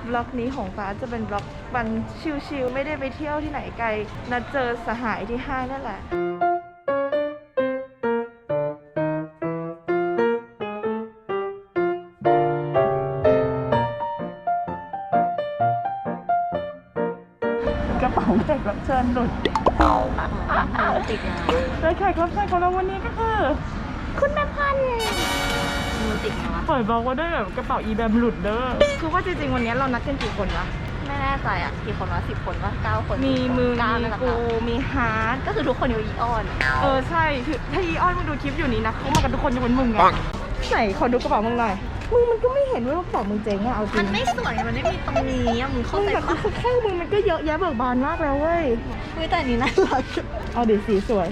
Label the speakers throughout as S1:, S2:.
S1: บล็อกนี้ของฟ้าจะเป็นบล็อกวันชิลๆไม่ได้ไปเที่ยวที่ไหนไกลนัดเจอสหายที่ห้างนั่นแหละกระเป๋าแขกรับเชิญหลุด
S2: ติดนะ
S1: โดยแขกรับเชิญของเราวันนี้ก็คือคุณแม่พันธุ์
S2: มันติดนะ
S1: ปล่อยบอกว่าได้แบบกระเป๋าอีแบมหลุดเด้อคือว่าจริงๆวันนี้เรานัดกันกี่คนวะ
S2: ไม่แน่ใจอ่ะกี่คนวะ10 คนวะ9 คน
S1: มีมึงมีกูมีฮาร์ด
S2: ก็คือทุกคนอยู่อีออน
S1: ใช่คือถ้าอีออนมึงดูคลิปอยู่นี้นะเขามากันทุกคนยกเว้นมึงไงไหนขอดูกระเป๋ามึงหน่อยมึงมันก็ไม่เห็นว่ากระเป๋ามึงเจ๊งอะเอาจริง
S2: มันไม่สวยมันไม่มีตรงนี้มึงเข้าใจปะ
S1: คือแค่มึงมันก็เยอะแยะเบิกบานมากแล้วเว้ย
S2: แต่นี้น่ารัก
S1: เอาดิสีสวย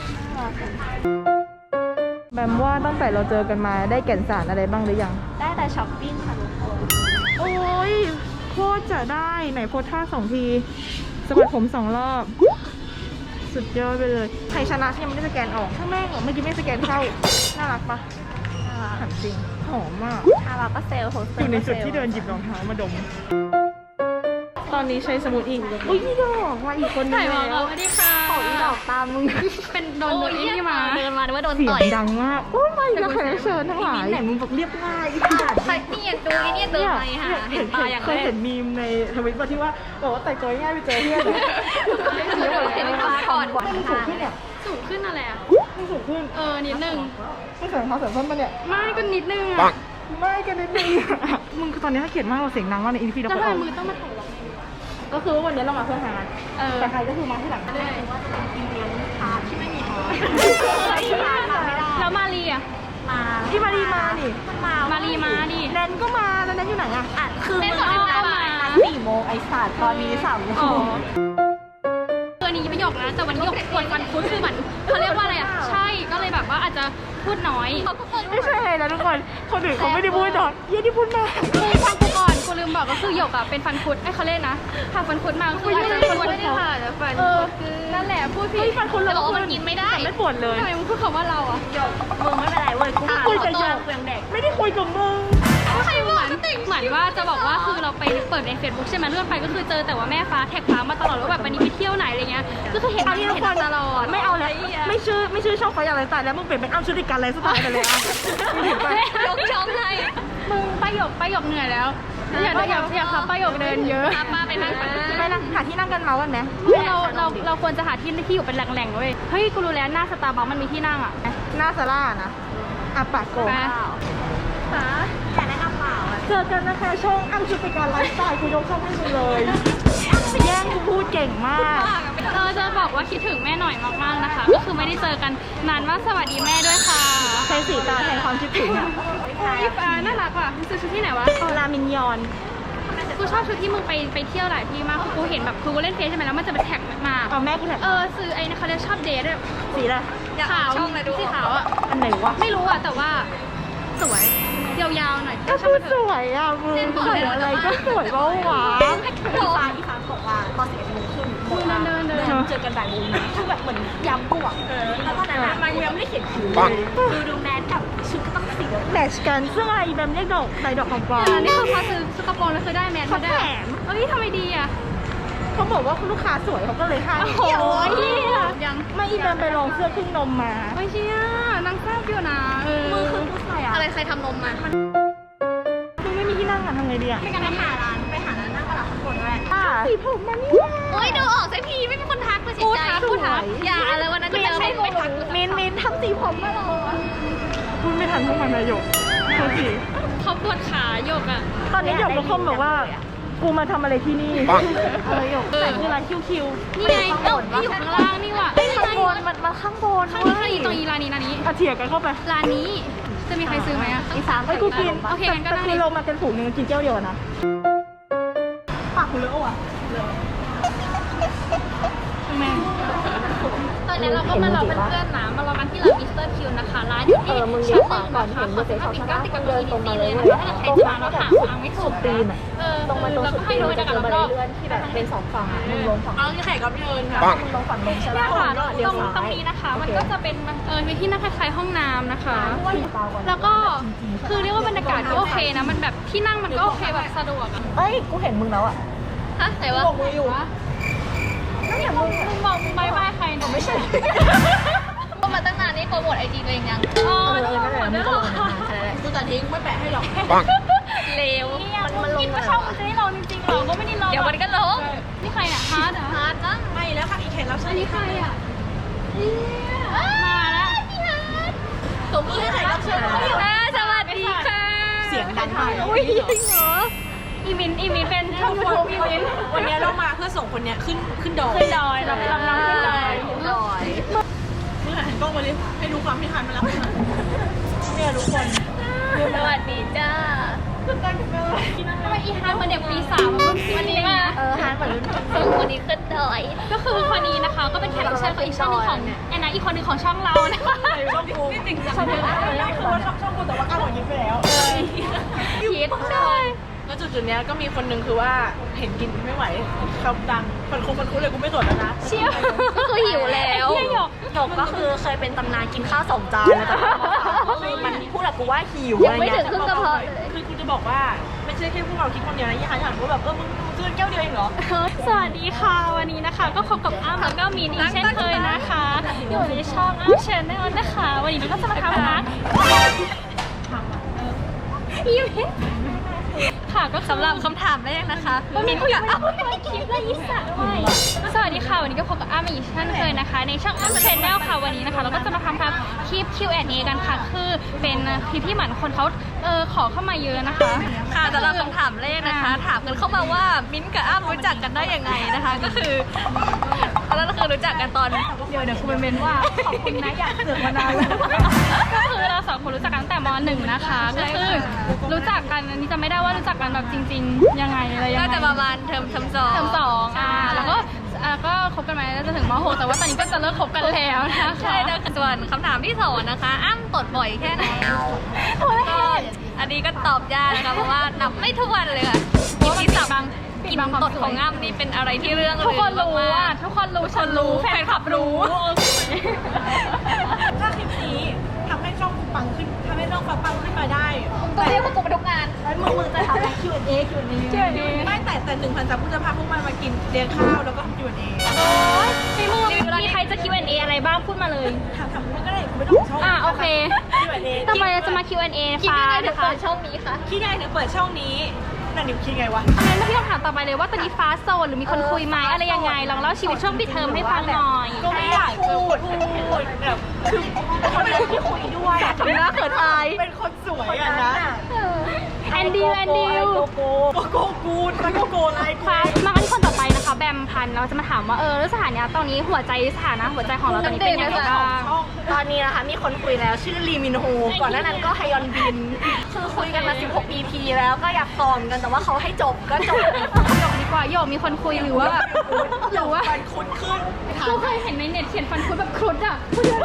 S1: แบมว่าตั้งแต่เราเจอกันมาได้แก่นสารอะไรบ้างหรือยัง
S2: ได้แต่ช้อปปิ้งค่ะทุกคน
S1: โอ้ยโคตรจะได้ไหนโพสท่า2 ทีสะบัดผม2 รอบสุดยอดไปเลยใครชนะที่ยังไม่ได้สแกนออกถ้าแม่งเมื่อกี้ไม่สแกนเข้าน่ารักปะถามจริงหอมมาก
S2: เราก็เซลล์
S1: อยู่ในจุดที่เดินหยิบรองเท้ามาดมตอนนี้ใช้สมุดอีกอุ้ยพี่ดอกมาอีกคนนึงแล้ว
S2: สวัสดีค่ะขออีดอกตามมึง
S1: เป็นโดนนี่มา
S2: เดินมาหรือว่าโดนต่อย
S1: เสียงดังมากโอ้ยไม่ก็แขกเชิญทั้งหลาย
S2: ไหนมึงบอกเรียบง่ายใช่นี่ดูนี่เดินไปค่ะเห็นตาอย่าง
S1: เคยเห็นมีมในทวิตว่าที่ว่าบอกว่าแต่งตัวง่ายไปเจอเพื่อน
S2: เห็นตาก่อน
S1: มันสูงขึ้นเนี่ย
S3: สูงขึ้นอะไรอ่ะ
S1: มันสูงขึ้น
S3: นิดนึง
S1: ไม่เสริมเขาเสริมเพิ่มปะเนี่ย
S3: ไม่ก็นิดนึง
S1: อ่ะไม่ก็นิดนึงมึงคือตอนนี้ถ้าเขียนมากเราเสียงดังมากในอินฟีเรา
S3: ก็เอามือต้องมาถ่ายเรา
S1: ก็คือวันนี้เรามาเพื่อหาแต่ใครก็คือมาที่หลัง
S3: ได้
S2: ที่ไม่มีท้อ
S3: แล้วมารีอ่ะ
S1: ที่มารีมาดิ
S3: มารีมาดิ
S1: แนนก็มาแล้วแนนอยู่ไหนอ่ะ
S2: คือมึงก็มา4 โมงไอ้สัตว์ตอนนี้3 โมง
S3: ตัวนี้ไม่หยกนะแต่วันนี้หยกปวดฟันคุดคือเหมือนเขาเรียกว่าอะไรอ่ะใช่ก็เลยแบบว่าอาจจะพูดน้อย
S1: ไม่ใช่ไงนะทุกคนคนอื่นเขาไม่ได้พูดน้อยยี่ที่พูดมาก
S3: คือฟังกูก่อนกูลืมบอกก็คือหยกอ่ะเป็นฟันคุดไอ้เขาเล่นนะผ่าฟันคุดมาคืออาจจะปวดไม่ได้ค่ะแต่ฟันนั่นแหละพูดผิด
S1: ฟันคุด
S3: เรามันกินไม่ได้
S1: ไม่ปวดเลย
S3: ทำไมมึงพูดคำว่าเราอ่ะ
S2: หยกมึงไม่เป็นไรเว้ยกู
S1: คุยกับหยกไม่ได้คุยกับมึง
S3: ใครเหมือนว่าจะบอกว่าคือเราไปเปิดใน Facebook ใช่ไหมเลื่อนไปก็คือเจอแต่ว่าแม่ฟ้าแท็กฟ้ามาตลอดว่าแบบวันนี้ไปเที่ยวไหนอะไรเงี้ยก็คือเห็นตลอด
S1: ไม่เอาแล้วไม่ชื่อช่องไฟอะไรตายแล้วมึงเปลี่ยนเป็นอ้ำชุติการอะไรสักอย่างเลยอ่ะ
S3: ยกช่องเลยมึงป้ายกเหนื่อยแล้วอยากขับป้ายกเดินเยอะป้าไปนั่ง
S1: หาที่นั่งกันเมากันไหม
S3: เราควรจะหาที่อยู่เป็นแหล่งๆเว้ยเฮ้ยกูรู้แล้วหน้าสตาร์บัคมันมีที่นั่งอ่ะ
S1: หน้าซาร่านะปากโกง
S2: ฟ้าอยากแนะนำเปล่า
S1: เจอกันนะคะช่องอ้ำชุติการไลฟ์สไตล์กูยกช่องให้มึงเลยแย่งกูพูดเก่งมาก
S3: จะบอกว่าคิดถึงแม่หน่อยมากๆนะคะก็คือไม่ได้เจอกันนานมากสวัสดีแม่ด้วยค่ะ
S1: ใช้สีตาแทนความคิดถึงอ่ะ
S3: พี่ฟ้าน่ารักว่ะมึงซื้อชุดที่ไหนวะ
S1: รามินยอน
S3: กูชอบชุดที่มึงไปเที่ยวหลายที่มากกูเห็นแบบกูเล่นเฟซใช่ไหมแล้วมันจะเป็นแท็กมา
S1: แม่กูแท็ก
S3: ซื้อไอ้เขาเรียกชอบเดทด้วย
S1: สีอะไร
S3: ขาวสีขาวอ่ะ
S1: อันไหนวะ
S3: ไม่รู้อ่ะแต่ว่าสวยยาวๆหน่อย
S1: ก็คือสวยอ่ะมึงใส่อะไรก็สวยบ้าวะ
S2: อีฟ้าบอกว่าตอน11 โมงครึ่ง
S3: เดิน
S2: เจอกันบ่ายโมงนะคือแบบเหมือนย้ำบวกแล้วตอนนั้นมายังไม่ได้เขียนคิวดูแมสกับชุดก็ต้องสี
S1: แมทช์กันซึ่งอะไรแบบเรียกดอกใส่ดอกของปลอม
S3: นี่คือพอซื้อกระโปรงแล้วคือได้แมส
S1: เขาแถม
S3: ทำไมดีอ่ะ
S1: เขาบอกว่าลูกค้าสวยเขาก็เลยให้
S3: โอ้ย
S1: ยังไม่อีแบมไปลองเสื้อครึ่งนมมา
S3: ไม่เชี่ยนางแซ่บอยู่นะ
S2: มือคือผู้ชาย
S3: อะไรใครทำนมมา
S1: มึงไม่มีที่นั่งอ่ะทำไงดีอ่ะ
S2: ไม่กันไปหาร้านนั่งกระดาษข้างบนด้วย
S1: สีผมมันนี่
S3: โอ้ยดูออกสักทีไม่มีคนทักเลยสิใจพูดทักอย่าอะไรวันนั้นจะใช้ไปทัก
S1: มินทำสีผมมาหรอพูดไม่ทันพวกมันเลยหยก
S3: เขาปวดขาหยกอ่ะ
S1: ตอนนี้หยกก็คอมบอกว่ากูมาทำอะไรที่นี่หยกแต่คือร้านคิว
S3: นี่ไงอยู่ข้างล่างนี่ว่ะ
S1: ข้างบนมันข้างบน
S3: ข้างนี้ตรงร้านนี้
S1: เถียกันเข้าไป
S3: ร้านนี้จะมีใครซื้อไหมอ่ะ
S1: อีสานไอ้กูกิน
S3: โอเคงั้นก็
S1: คือลงมาเป็นฝูงนึงกินเจ้าเดียวนะปากกูเลอะว่ะ
S3: แม่ตอนนี้เราก็มารอเพื่อนๆนะมารอกันที่ร้านมิสเตอร์คิวนะคะร้านอยู่ที่ชั้น1นะคะขอสนามปิ่นเกล้าติดกับตรงนี้เลยนะถ้าใครจะมาเราหาทางไม่ถูก
S1: ตีนตรงมาตรง
S3: แล้วก็ให้ดูบรรยากาศรอบๆ
S2: ที่แบบเป็น2ฝั่งมึงลงฝั่ง
S1: เอาแขกรับเชิญค่ะ
S2: มึงลงฝั่งลงใช่ไหม
S3: เนี่ยค่ะ
S2: เดี๋ยว
S3: ตรงนี้นะคะมันก็จะเป็นมีที่นั่งคล้ายๆห้องน้ำนะคะ แล้วก็คือเรียกว่าบรรยากาศก็โอเคนะมันแบบที่นั่งมันก็โอเคแบบสะดวกอะ
S2: เอ้ยกูเห็นมึงแล้วอ่ะ
S3: ฮะไหนวะ
S2: บอกมืออยู่
S3: นั่นอย่ามึงบอกมึงไม่ใครเนี่ยไม่ใช่
S4: ก็มาตั้งนานนี่โปรโมทไอจีตัวเองยัง
S3: อ๋อนี่หมดแล้วเหรอ
S1: กูตัดทิ้งไม่แปะให้หรอก
S4: เร็ว
S3: เนี่ยมึงคิดว่าช่องมันจะให้เราจริงๆหรอก็ไม่ได้ลง
S4: เดี๋ยวมันก็ลง
S3: นี่ใครอะฮาร์ดเหรอ
S4: ฮาร์ดมั้ง
S1: ไม่แล้วค่ะอีกแขกรับเชิ
S3: อั
S1: ญ
S3: นนี้ใครอะมาแล้ว
S4: ตบมือให้ใครรับเชิญสวัสดีค่ะ
S1: เสียงดังมาก
S3: อุ้ยจริงเหรออีมินเป็นช่องยูทูบอีมิน
S1: วันนี้เรามาเพื่อส่งคนเนี้ยขึ้นดอย
S3: ขึ้นดอยรับน้องขึ้นดอย
S4: ลอย
S1: มึงหันกล้องมาเลยให้ดูความพิธานมาแล้วเนี่ยทุกคน
S4: สวัสดีจ้า
S3: ทำไมอีฮาร์ดเหมือนเด็กปี3มันรุ่นพี่วันนี้มา
S4: ฮาร์ดเหมือนซึ่งวันนี้ขึ้นดอย
S3: ก็คือคนนี้นะคะ ก็เป็นแขกรับเชิญของอีกช่องหนึงของแอนนาอีกคนหนึงของช่องเรานะคะ
S1: ช่องกูนี่จริงจังเลยนะคือว่าช่องกูแต่ว่าก้าวหัวยิ้มไปแล้ว
S3: พีทใช่
S1: แล้วจุดๆเนี้ยก็มีคนหนึ่งคือว่าเห็นกินไม่ไหวคำดังมันคุ้นเลยกูไม่สนแล้วนะ
S3: เชี่ยว
S4: ก็คือหิวแล้ว
S3: ไอ้เหี้ยหยก
S2: หยกก็คือเคยเป็นตำนานกินข้าว2 จานนะแต่คือมันพูดกับกูว่าหิว
S4: ยังไม่ถึงครึ่งกระเพาะเลย
S1: คือกูจะบอกว่าไม่ใช่แค่พวกเราคิดคนเดียวนะยี่ห้าอย่างว่าแบบมึงซื้อแก้วเดียวเองเหรอ
S3: สวัสดีค่ะวันนี้นะคะ ก็พบกับอ้ำแล้วก็มีนอีกเช่นเคยนะคะอยู่ในช่องอ้ำชาแนลนะคะ วันนี้เราก็จะมาทำนะอีเวนต์ค่ะก็สำหรับคำถามแรกนะคะว่ามีผู้อยากเอาไม่คิดเลยอีสัตว์ด้วยสวัสดีค่ะวันนี้ก็พบกับอ้ำอีกเช่นเคยนะคะ ในช่องอ้ำชาแนลค่ะวันนี้นะคะ เราก็จะมาทำคลิป Q&A กันค่ะคือเป็นคลิปที่เหมือนคนเขาขอเข้ามาเยอะนะคะ
S4: ค่ะสำหรับคำถามแรกนะคะ ถามกันเข้ามาว่ามิ้นท์กับอ้ำรู้จักกันได้ยังไงนะคะ ก็คือตอนนั้นก็คือรู้จักกันตอน
S3: เดี๋ยวคุณเมนว่าขอบคุณนะอยากเสือกมานานแล้วก็คือเรา2 คนรู้จักกันตั้งแต่ม.1 นะคะก็คือรู้จักกันอันนี้จะไม่ได้ว่ารู้จักกันแบบจริง ๆ ยังไงอะไรยังไง
S4: น่าจะประมาณเทอมสอง
S3: เทอม2แล้วก็คบกันมาแล้วจะถึงม.6แต่ว่าตอนนี้ก็จะเลิกคบกันแล้วนะคะ
S4: ใช่นะส่วนคำถามที่2นะคะ อ้ำตดบ่อยแค่ไหนก็อันนี้ก็ตอบยากนะคะเพราะว่านับไม่ทุกวันเลยค่ะกินที่สับกินตดของอ้ำนี่เป็นอะไรที่เรื่อง
S3: ทุกคนรู้
S4: มา
S3: อ่ะ
S4: ก
S3: ทุกคนรู้ฉันรู้แฟนคลับรู้
S1: ถ้าคลิปนี้ทำให้ช่องกูปังขึ้นทำให้ช่องปังขึ้นมาได้
S4: ตัวเรียกว่ากูไปทุกงาน
S1: แล้วมึงจะทำอะไร Q&A ไม่แต่1,000 ซับกูจะพาพวกมันมากินเลี้ยงข้าวแล้วก็ทำ Q&A
S3: พี่มูมีใครจะ Q&A อะไรบ้างพูดมาเลย
S1: ถามมึงก็ได้กูไม่ต้องช่อง
S3: โอเค
S1: Q&A
S3: ต่อไปเราจะมา Q&A
S4: คิด
S3: ฟ้า
S4: ยังไงถึง
S3: นะคะ
S4: เปิดช่องนี้คะ
S1: คิดไงถึงเปิดช่องนี้นั่นดิคิดไงวะ
S3: งั้นพี่ต้องถามต่อไปเลยว่าตอนนี้ฟ้าโสดหรือมีคนคุยไหมอะไรยังไงลองเล่าชีวิตช่วงปิดเทอมให้ฟังหน่อย
S1: ก็ไม่อยากพูดแบบคือคนที่คุยด้วย
S3: ทำหน้าเขินอาย
S1: เป็นคนสวยอะนะ
S3: แอนดิว
S1: โกโก้กูนแล้วก็โกไลกู
S3: ค่ะมากันที่คนต่อไปนะคะ แบมพันธุ์เราจะมาถามว่าแล้วสถานะตอนนี้หัวใจของเราตอนนี้เป็นยังไงบ้าง
S2: ตอนนี้นะคะมีคนคุยแล้วชื่อลีมินโฮก่อนหน้านั้นก็ฮยอนบิน คือคุยกันมา16 EP แล้วก็อยากต่อกันแต่ว่าเขาให้จบก็จบ
S3: หยกดีกว่าหยกมีคนคุยหรือว่า
S1: มันคุ้นขึ้น
S3: เราเคยเห็นในเน็ตเขียนฟันคุดแบบครุดอ่ะ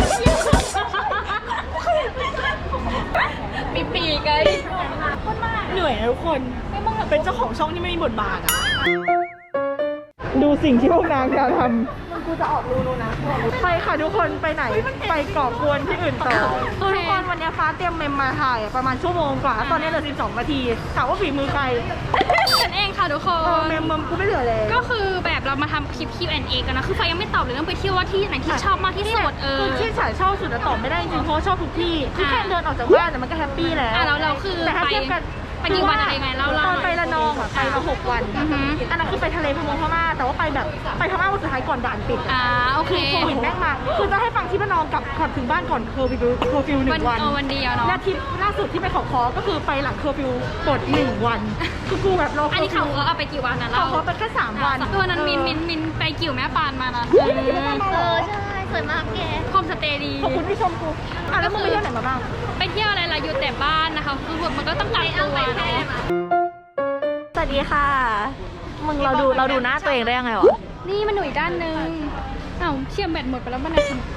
S3: มีปีกไง
S1: เหนื่อยนะทุกคนเป็นเจ้าของช่องที่ไม่มีบทบาทอะดูสิ่งที่พวกนางจะทำกูจะออกรูนะไปค่ะทุกคนไปไหนไปก่อกวนที่อื่นต่อคือทุกคนวันนี้ฟ้าเตรียมเมมมาถ่ายประมาณชั่วโมงกว่าตอนนี้เหลือ12 นาทีถามว่าฝีมือใคร
S3: ฉันเองค่ะทุกคน
S1: เมมกูไม่เหลือเลย
S3: ก็คือแบบเรามาทำคลิป Q&A กันนะคือไฟยังไม่ตอบเลยเรื่องไปเที่ยวว่าที่ไหนที่ชอบมากที่สุด
S1: คือที่ฉายชอบสุดแต่ตอบไม่ได้จริงเพราะชอบทุกที่คือแค่เดินออกจากบ้านแต่มันก็แฮปปี้แล้ว
S3: เราคือ
S1: แต่ถ้าเทียบกัน
S3: ไปกี่วันอะไรยังไงเล่า
S1: ตอนไประนองอ่ะไปมา6 วันอันนั้นคือไปทะเลพม่าแต่ว่าไปแบบไปพม่าวันสุดท้ายก่อนด่านปิด
S3: โอเค
S1: โควิดแม่งมาคือจะให้ฟังที่ระนองกลับถึงบ้านก่อนเคอร์ฟิว1 วัน
S3: วันเดียวเนาะ
S1: และทริปล่าสุดที่ไปขอคอก็คือไปหลังเคอร์ฟิวกด1 วันคือกูแบบรอ
S3: อันนี้เขาเอาไปกี่วันนะ
S1: ข
S3: เรา
S1: อคอไปแค่3 วัน
S3: ตัวนั้นมินไปกิ่วแม่ปานมานะ
S4: ใช่สวยมากแก
S3: โฮมสเตย์ดี
S1: ขอบคุณที่ชมกูแล้วมึงไปเที่ยวไหนมาบ้าง
S3: ไปเที่ยวอะไรล่ะอยู่แต่บ้านนะคะคือมันก็ต้องกักตัว
S2: สวัสดีค่ะ มึงเราดูหน้าตัวเองได้ยังไงวะ
S3: นี่มันหนุ่ยด้านนึงเชี่ยมแบตหมดไปแล้วบ้านไหน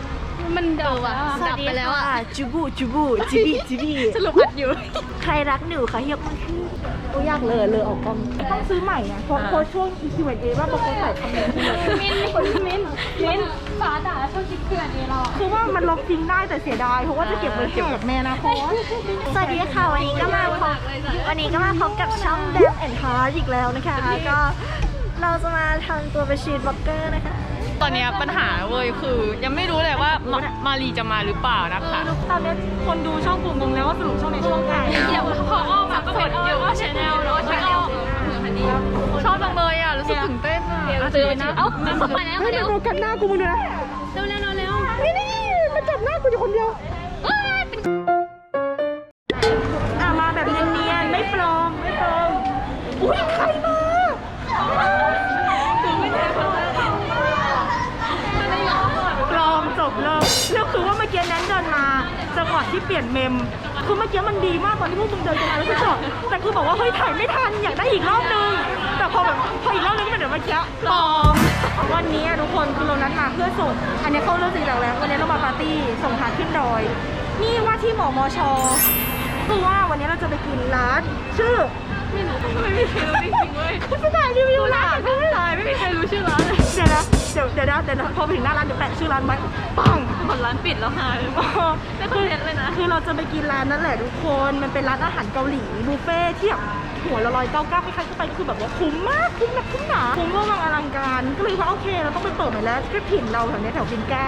S3: มันดับแล้วอะ
S4: ดับไปแล้วอ่ะ
S2: จูบูจิบี
S3: สรุปอัดอยู่
S2: ใครรักหนูคะยกมือขึ้นโอ้ยากเลยออกกล้อง
S1: ต้องซื้อใหม่อ่ะเพราะช่วง Q&A ว่าบางคนใส่คอมเมนต์
S3: มินฟ้าด่าชอบคิดเพื่อนเอเรา
S1: คือว่ามันลบทิ้งได้แต่เสียดายเพราะว่าจะเก็บไว้แหกแม่นะเพราะ
S2: สวัสดีค่ะวันนี้ก็มาพบกับช่องแบมแอนด์ฮาร์อีกแล้วนะคะก็เราจะมาทำตัวเป็นชีทบล็อกเกอร์นะคะ
S5: ตอนเนี้ยปัญหาเว้ยคือยังไม่รู้เลยว่ามารีจะมาหรือเปล่านะคะ
S1: ตอนนี้คนดูช่องกูงงแล้วว่าสรุปช่องไหนช่องไหน
S3: เดี๋ยวพอออกมาก็เป็นอยู่ว่าชาแนลเนาะชาแนล
S5: ชอบจังเลยอ่ะรู้สึกตื่นเต้นอ่ะ
S3: เจอนะเอ้ามาแล้ว
S1: เฮ้ย
S3: เร็ว
S1: โฟกัสหน้ากูมึงดูนะ
S3: เร็ว
S1: น
S3: เร็ว
S1: ี่มันจับหน้ากูอยู่คนเดียวมาแบบเนียนๆไม่ปลอมอุ้ยใครมาปลอมจบเลยแล้วคือว่าเมื่อกี้นั้นเดินมาจังหวะที่เปลี่ยนเมมคือเมื่อกี้มันดีมากตอนที่พวกมึงเดินกันมาแล้วก็จอดแต่คือบอกว่าเฮ้ยถ่ายไม่ทันอยากได้อีกรอบนึงแต่พออีกรอบนึงก็เป็นเดี๋ยวเมื่อกี้ปลอมวันนี้ทุกคนคือเรานัดมาเพื่อส่งอันนี้เขาเริ่มจริงจังแล้ววันนี้เรามาปาร์ตี้ส่งทานขึ้นดอยนี่ว่าที่หมอมชคือว่าวันนี้เราจะไปกินร้านชื่อไม่มีใครรู้จริงๆเว้ยคุณจะถ่ายรีวิวร้านไม่ถ่ายไม่มีใครรู้ชื่อร้านเลยเดี๋ยวพอไปถึงหน้าร้านเดี๋ยวแปะชื่อร้านไว้ปัง
S5: หมดร้านปิดแล้วค่ะไม่เคยเห็นเลยนะ
S1: คือเราจะไปกินร้านนั่นแหละทุกคนมันเป็นร้านอาหารเกาหลีบุฟเฟ่ที่แบบหัวละ199ใครๆเข้าไปก็คือแบบว่าคุ้มมากคุ้มแบบคุ้มหนาคุ้มเวอร์วังอลังการก็เลยว่าโอเคเราต้องไปเปิดใหม่แล้วที่ถิ่นเราแถวนี้แถวปิ่นเกล้า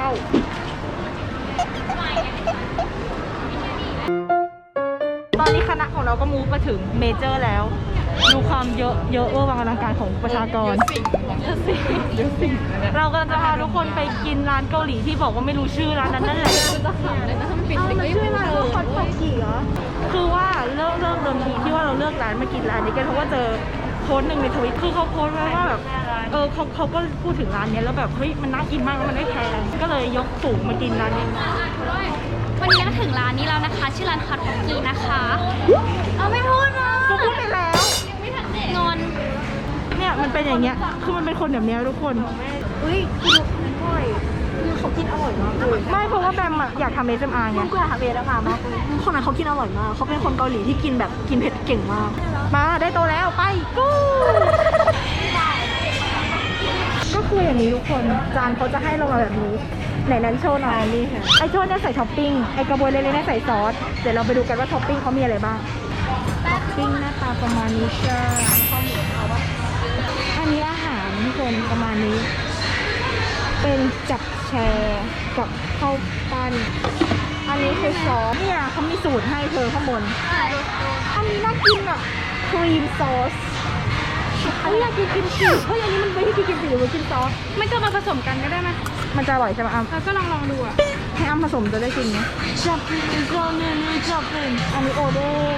S1: ตอนนี้คณะของเราก็มูฟมาถึงเมเจอร์แล้ว ดูความเยอะเวอร์วังอลังการของประชากรเยอะสิเรากำลังจะพาทุกคนไปกินร้านเกาหลีที่บอกว่าไม่รู้ชื่อร้านนั้นนั่นแหละชื่อร้านว่าคอนโทจิเหรอคือว่าเริ่มเดิมทีที่ว่าเราเลือกร้านมากินร้านนี้กันเพราะว่าเจอโพสต์หนึ่งในทวิตคือเขาโพสต์ไว้ว่าแบบเขาก็พูดถึงร้านนี้แล้วแบบเฮ้ยมันน่ากินมากแล้วมันไม่แพงก็เลยยกฝูงมากินร้านนี้
S3: วันนี้ก็ถึงร้านนี้แล้วนะคะชื่อร้านคาร์ทอกกี้นะคะเอาไม่พูดนะ
S1: ก็พูดไปแล้ว
S3: งอน
S1: เนี่ยมันเป็นอย่างเงี้ยคือมันเป็นคนแบบเนี้ยทุกคน
S2: อุ้ยกินอร่อยคือเขากินอร่อยมากเลย
S1: ไม่เพราะว่าแบมอะอยากทำ ASMR ไง
S2: กูอยากทำเองมากคนนั้นเขากินอร่อยมากเขาเป็นคนเกาหลีที่กินแบบกินเผ็ดเก่งมาก
S1: มาได้โตแล้วไปกูก็คืออย่างนี้ทุกคนจานเขาจะให้เรามาแบบนี้ไหนนั้นโชว์หน่อยนี่ค่ะไอโชว์เนี่ยใส่ท็อปปิ้งไอกระบวยเล็กๆเนี่ยใส่ซอสเดี๋ยวเราไปดูกันว่าท็อปปิ้งเขามีอะไรบ้างท็อปปิ้งหน้าตาประมาณนี้จ้าอันนี้อาหารทุกคนประมาณนี้ เป็นจับแชร์กับข้าวปั้นอันนี้คือซอสเนี่ยเขามีสูตรให้เธอข้างบนอันนี้น่ากินอ่ะครีมซอสอันนี้อยากกินกิมจิเฮ้ยอันนี้มันไม่ใช่กินกิมจิหรือว่ากินซอส
S3: ไม่ก็มาผสมกันก็ได้ไหม
S1: มันจะอร่อยใช่ไหมอ้ำ
S3: เราก็ลองดูอ่ะ
S1: ให้อ้ำผสมจะได้กินไหมจับเป็นอันนี้โอเด้ง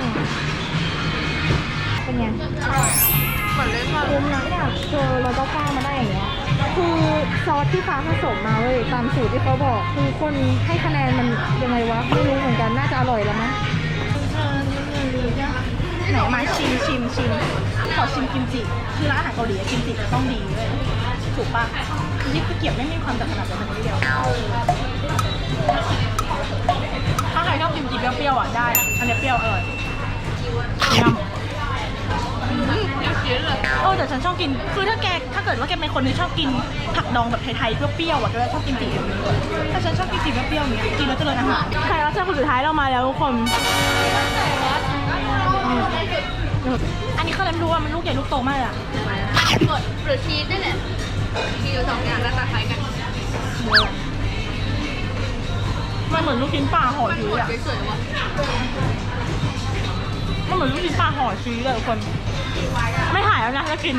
S1: เป็นไง
S5: เหมือนเล่นมา
S1: คุ้มนะเนี่ยเจอเราก็ก้ามาได้อย่างเงี้ยคือซอสที่ฟ้าผสมมาเว้ยตามสูตรที่เขาบอกคือคนให้คะแนนมันยังไงวะไม่รู้เหมือนกันน่าจะอร่อยแล้วมั้งไหนมาชิมขอชิมกิมจิคือร้านอาหารเกาหลีกิมจิจะต้องดีเลยถูกปะนี่ตะเกียบไม่มีความจัดขนาดนั้นนิดเดียวถ้าใครชอบกิมจิเปรี้ยวๆอ่ะได้อันนี้เปรี้ยวอร่อยยำแต่ฉันชอบกินคือถ้าเกิดว่าแกเป็นคนที่ชอบกินผักดองแบบไทยๆเปรี้ยวๆอ่ะก็จะชอบกินจิแบบนี้ถ้าฉันชอบกินจิเปรี้ยวๆอย่างเงี้ยกินแล้วเจริญอาหารใครรับเชิญคนสุดท้ายเรามาแล้วทุกคนอันนี้เขาเริ่มรู้ว่ามันลูกใหญ่ลูกโตมากอ่ะ
S4: กดหรือชีสได้เนี่ยมีอยู่2อย่างหน้าตาคล้ายกัน
S1: มันเหมือนลูกชิ้นปลาห่อชีสอ่ะ
S4: สวยๆว่ะ
S1: มันเหมือนลูกชิ้นปลาห่อชีสเลยทุกคนไม่หายแล้วนะจะกิน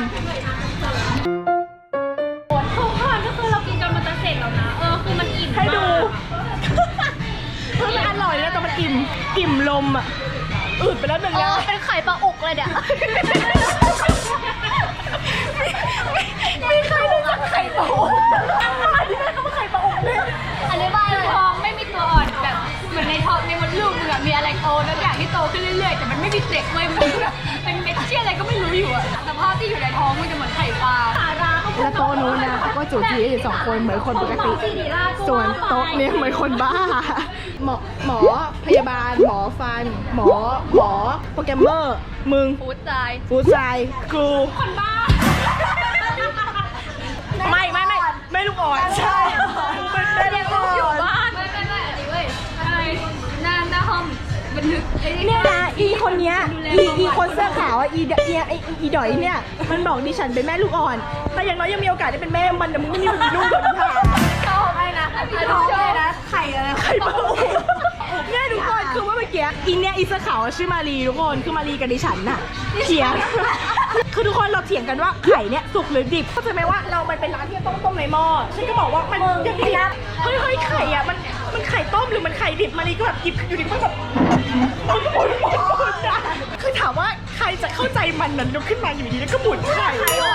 S3: ทุกคนก็คือเรากินจนมันจะเสร็จแล้วนะคือมันอิ่ม
S1: ให้ดู
S3: มาก
S1: คือมันอร่อยแล้วแต่มันอิ่มลมอ่ะอืดไปแล้วหนึ่งแล้ว
S4: เป็นไข่ปลาอุกเลยเนี่ย
S1: มีใครรู้จักไข่ปลาอกอันนี้แม่เขาไม่ไข่ปลาอกเลย
S3: อธิบายเลยท้องไม่มีตัวอ่อนแบบเหมือนในท้องในมดลูกมึงอะมีอะไรโตแล้วอย่างที่โตขึ้นเรื่อยๆแต่มันไม่มีเด็กเว้ยมันแบบเป็นเม็ดเชี่ยอะไรก็ไม่รู้อยู่อะสภาพที่อยู่ในท้องมันจะเหมือนไข่ปลา
S1: สาราเขา
S2: และโต๊ะนู้นนะก็จูจีอยู่2 คนเหมือนคนปกติ ส่วนโต๊ะเนี้ยเหมือนคนบ้า หมอพยาบาล หมอฟัน หมอโปรแกรมเมอร์ มึง
S4: ฟูดใจ
S2: ฟู้ดไซน์ครูคนบ้า ไม่ลูกอ่อนใช่ไม่ลูกอ่อน
S4: บ้านไม่อันนี้เว้ยอะไรหน้าห้องบันทึกไอ้นี่
S2: เนี่ยนะอีคนเนี้ยอีคนเสื้อขาวอ่ะอีดอยเนี่ยมันบอกดิฉันเป็นแม่ลูกอ่อน แต่อย่างน้อยยังมีโอกาสได้เป็นแม่มันแต่มึงไม่มีลูกหรอกค่ะชอบไอ้นะท้องเลยนะไข่อะไรไข่ปลาเนี่ยทุกคนคือว่าเมื่อกี้อีเนี่ยอีเสื้อขาวชื่อมารีทุกคนคือมารีกับดิฉันน่ะเถียงคือทุกคนเราเถียงกันว่าไข่เนี่ยสุกหรือดิบเข้าใจไหมว่าเรามันเป็นร้านที่ต้องต้มในหม้อฉันก็บอกว่ามันยังไงนะเฮ้ยไข่อ่ะมันไข่ต้มหรือมันไข่ดิบมารีก็แบบหยิบอยู่ดิมันแบบคือถามว่าใครจะเข้าใจมันนั้นลุกขึ้นมาอยู่ดีแล้วก็หมุนไข่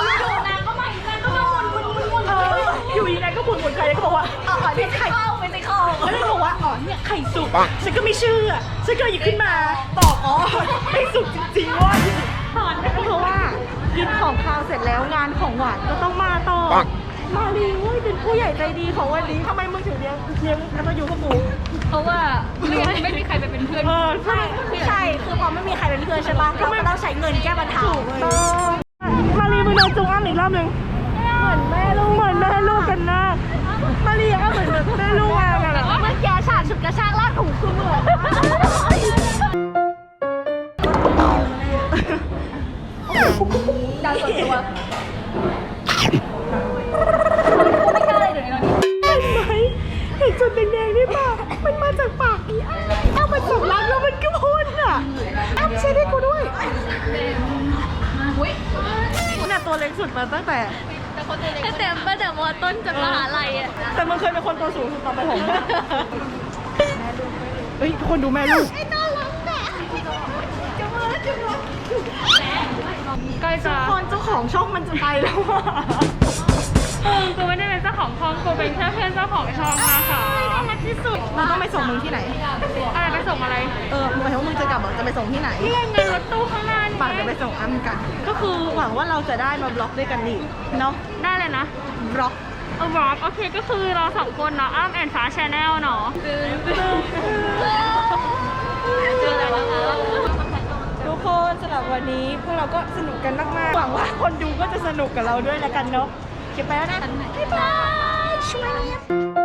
S2: อยู่ดีนายก็หมุนไข่แล้วก็บอกว่าเนี่ยไข่ไม่ใช่ข้าวแล้วก็บอกว่าอ๋อเนี่ยไข่สุกฉันก็ไม่เชื่อฉันก็หยิบขึ้นมาตอบอ๋อไม่สุกจริงๆว่าเพราะว่ากินของคาวเสร็จแล้วงานของหวานก็ต้องมาต่อมาลีเว้ยเป็นผู้ใหญ่ใจดีของวันนี้ทำไมมึงถึงเลี้ยงแล้วมาอยู่กับกู
S3: เพราะว่าไม่มีใครไปเป็นเพื่อน
S2: ใช่คือพอไม่มีใครเป็นเพื่อนใช่ปะเราก็ต้องใช้เงินแก้ปัญหามาลีมึงเดินจุงอ้ำอีกรอบหนึ่งเหมือนแม่ลูกกันนะมาลีก็เหมือนแม่ลูกกันอะเมื่อกี้ฉาดฉุดกระชากลากถูคือเหมือนดังส่วนตัวไม่กล้าเลยเดี๋ยวนี้เห็นไหมเห็นจุดแดงๆนี่ป่ะมันมาจากปากอีอ้าวมันสำลักแล้วมันก็พ่นอ่ะอ้าวใช่ได้กูด้วยน่ะตัวเล็กสุดมาตั้งแต่
S4: แต่มอต้นจากมหาลัยอ่ะ
S2: แต่มึงเคยเป็นคนตัวสูงสุดตอนประถมเฮ้ยทุกคนดูแม่ลูก
S3: ใกล้จะ
S2: คนเจ้าของช่องมันจะไปแล้วอ่ะ
S3: กูไม่ได้เป็นเจ้าของช่องกูเป็นแค่เพื่อนเจ้าของช่องนะคะที่สุด
S2: มึงต้องไปส่งมึงที่ไหน
S3: อะไรไปส่งอะไร
S2: หมายถึงว่ามึงจะกลับเหรอจะไปส่งที่ไหน
S3: นี่ไงรถตู้ข้างหน้านี่
S2: ปั่นจะไปส่งอ้ำกัน ก็คือหวังว่าเราจะได้มาบล็อกด้วยกันนี่เนาะ
S3: ได้เลยนะ
S2: บล็อก
S3: บล็อกโอเคก็คือเราสองคนเนาะอ้ำแอนฟ้าชาแนลเนาะเจออะไรนะคะ
S2: ทุกคนสำหรับวันนี้พวกเราก็สนุกกันมากๆหวังว่าคนดูก็จะสนุกกับเราด้วยแล้วกันเนาะเก็บไปแล้วนะบ๊ายบายช่วย